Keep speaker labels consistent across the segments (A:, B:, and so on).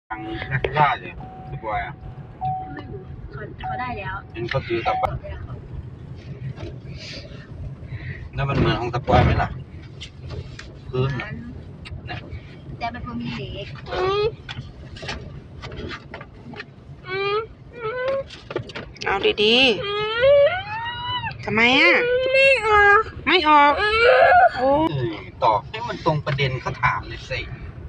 A: ทางนาซิล่าเลยสปอยอ่ะ
B: ไม่รู้เขาได้แล้ว
A: เห็นเขาซื้อกลับบ้าน
B: ได้แล้ว
A: แล้วมันเหมือนของสปอยไหมล่ะพื้น
B: นั้น
A: เนี่ย
B: แต่เป็นพวกมีเหล็ก
C: เอาดีๆทำไมอ่ะไม่ออกโอ้
A: ตอบให้มันตรงประเด็นเขาถามเลยสิ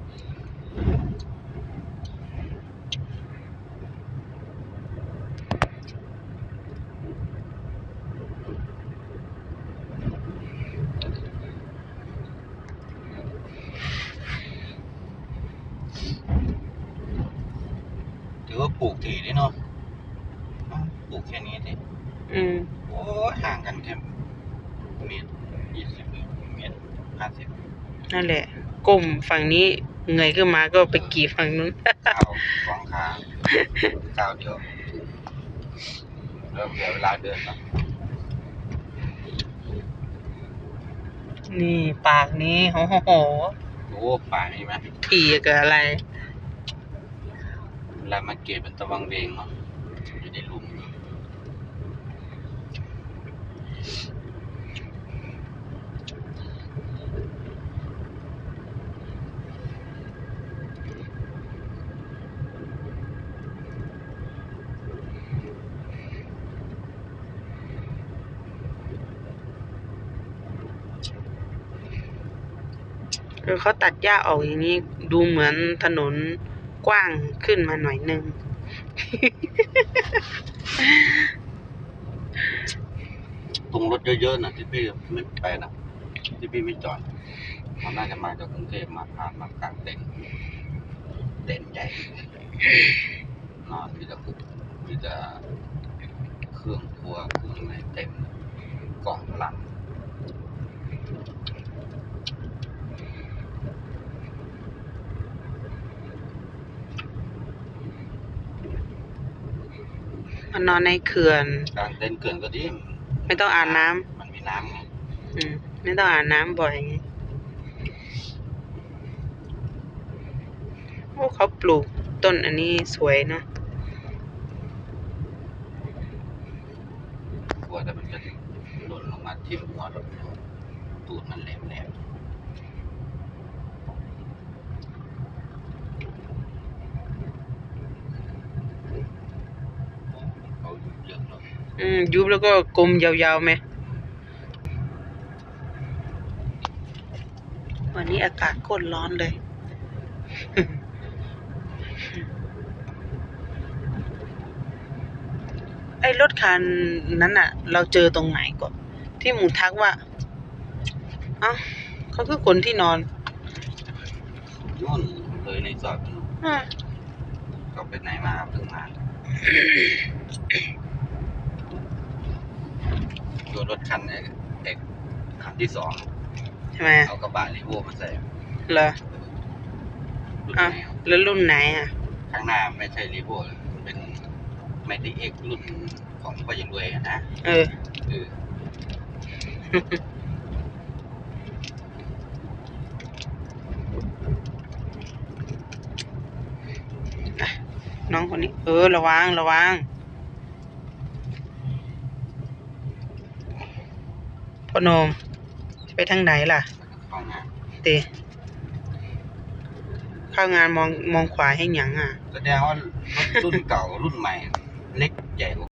A: ถือว่าปลูกถี่ได้เนาะปลูกแค่นี้สิ โอ้ห่างกันแค่เมตร20เมตร50
C: นั่นแหละก้มฝั่งนี้เงยขึ้นมาก็ไปกี่ฝั่งนู้น
A: ก้าวสองขาก้าวเดียวเริ่มเหลือเวลาเดินแล้ว
C: นี่ปากนี้โอ้โห
A: โอ้ป่านี่ไหม
C: ถี่กับอะไร
A: เวลามาเก็บเป็นตะวังเวงเนาะอยู่ในหลุม
C: เขาตัดหญ้าออกอย่างนี้ดูเหมือนถนนกว้างขึ้นมาหน่อยนึง
A: ตรงรถเยอะๆนะที่พี่ไม่ไปนะที่พี่ไม่จอดมันน่าจะมาจากกรุงเทพมาผ่านมากลางเต็นท์ใหญ่นอนมีแต่เครื่องครัวเครื่องอะไรเต็มกล่องพลัง
C: มันนอนในเขื่อน
A: กลางเต็นท์เกินก็ดี
C: ไม่ต้องอาบน้ำ
A: มันมีน้ำไง
C: ไม่ต้องอาบน้ำบ่อยไงโอ้เขาปลูกต้นอันนี้สวยเนอะ
A: กลัวแต่มันจะหล่นลงมาทิ่มหัวรถตูดมันแหลมเขาเยอะเนาะ
C: ยุบแล้วก็กลมยาวๆไหมวันนี้อากาศโคตรร้อนเลย ไอ้รถคันนั้นอ่ะ เราเจอตรงไหนก่อนที่หมูทักว่าเอ้าเขาคือคนที่นอน
A: นู่นเลยในซอยนู่น
C: อ่ะ
A: เขาไปไหนมาเพิ่งมาตัวรถคันเอกคันที่2
C: ใช่ไหม
A: เอากระบะรีโวมาใส่
C: เหรอ
A: รุ่น
C: อ่ะ
A: ไหน
C: แล้วรุ่นไหนอ่ะ
A: ข้างหน้าไม่ใช่รีโวเป็นไมติเอ็กรุ่นของพ่อยังรวยนะ
C: เออ น้องคนนี้ ระวังพ่อโนมจะไปทางไหนล่ะ
A: เข้างาน
C: ตีเข้างานมองขวาให้หยังอ่ะ
A: แสดงว่ารถรุ่นเก่ารุ่นใหม่เล็กใหญ่กว่า